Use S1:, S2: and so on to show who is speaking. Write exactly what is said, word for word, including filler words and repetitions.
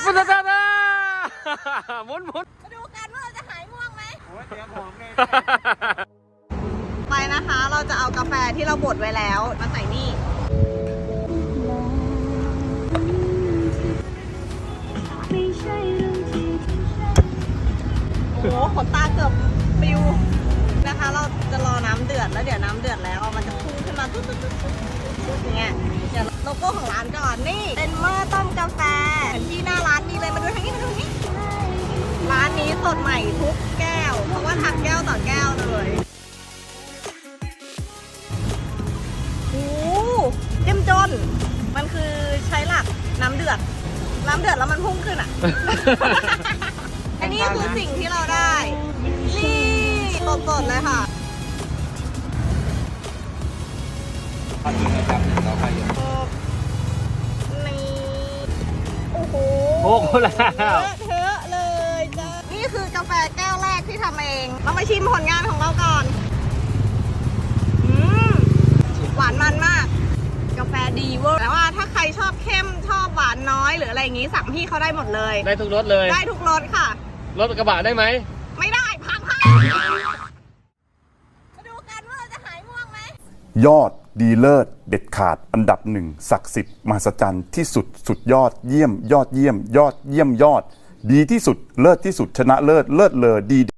S1: สุดยอดนะหมุนหมุน
S2: มาดูกันว่าเราจะหายง่วงไหม
S3: โอ้ยเตรียมของเลย
S2: ไปนะคะเราจะเอากาแฟที่เราบดไว้แล้วมาใส่นี่โอ้โหขนตาเกือบปิวนะคะเราจะรอน้ำเดือดแล้วเดี๋ยวน้ำเดือดแล้วมันจะพุ่งขึ้นมาตุ๊ดตุ๊ดตุ๊ดตุ๊ดอย่างเงี้ยเดี๋ยวโลโก้ของร้านก่อนนี่เป็นหม้อต้มกาแฟที่หน้าร้านมีเลยมาดูทางนี้มาดูทางนี้ร้านนี้สดใหม่ทุกแก้วเพราะว่าทำแก้วต่อแก้วเลยโอ้เจ้มจนมันคือใช้หลักน้ำเดือดน้ำเดือดแล้วมันพุ่งขึ้นอ่ะ อันนี้คือสิ่งที่เราได้นี่สดๆเลยค่ะ
S3: ตอนนี้นะครับเราไปอยู่
S2: นี่โอ้โห
S1: โอ้โหแล้ว
S2: เทอะเลยจ้านี่คือกาแฟแก้วแรกที่ทำเองเรามาชิมผลงานของเราก่อนอืมหวานมันมากกาแฟดีเวอร์แต่ว่าถ้าใครชอบเข้มชอบหวานน้อยหรืออะไรอย่างงี้สั่งพี่เขาได้หมดเลย
S1: ได้ทุกรถเลย
S2: ได้ทุกรสค่ะ
S1: รถกระบะได้ไหม
S2: ไม่ได้พังพังมาดูกันว่าเราจะหายง่วงไหม
S4: ยอดดีเลิศเด็ดขาดอันดับหนึ่งศักดิ์สิทธิ์มหัศจรรย์ที่สุดสุดยอดเยี่ยมยอดเยี่ยม ยอดเยี่ยมยอด ดีที่สุดเลิศที่สุดชนะเลิศเลิศเลอดี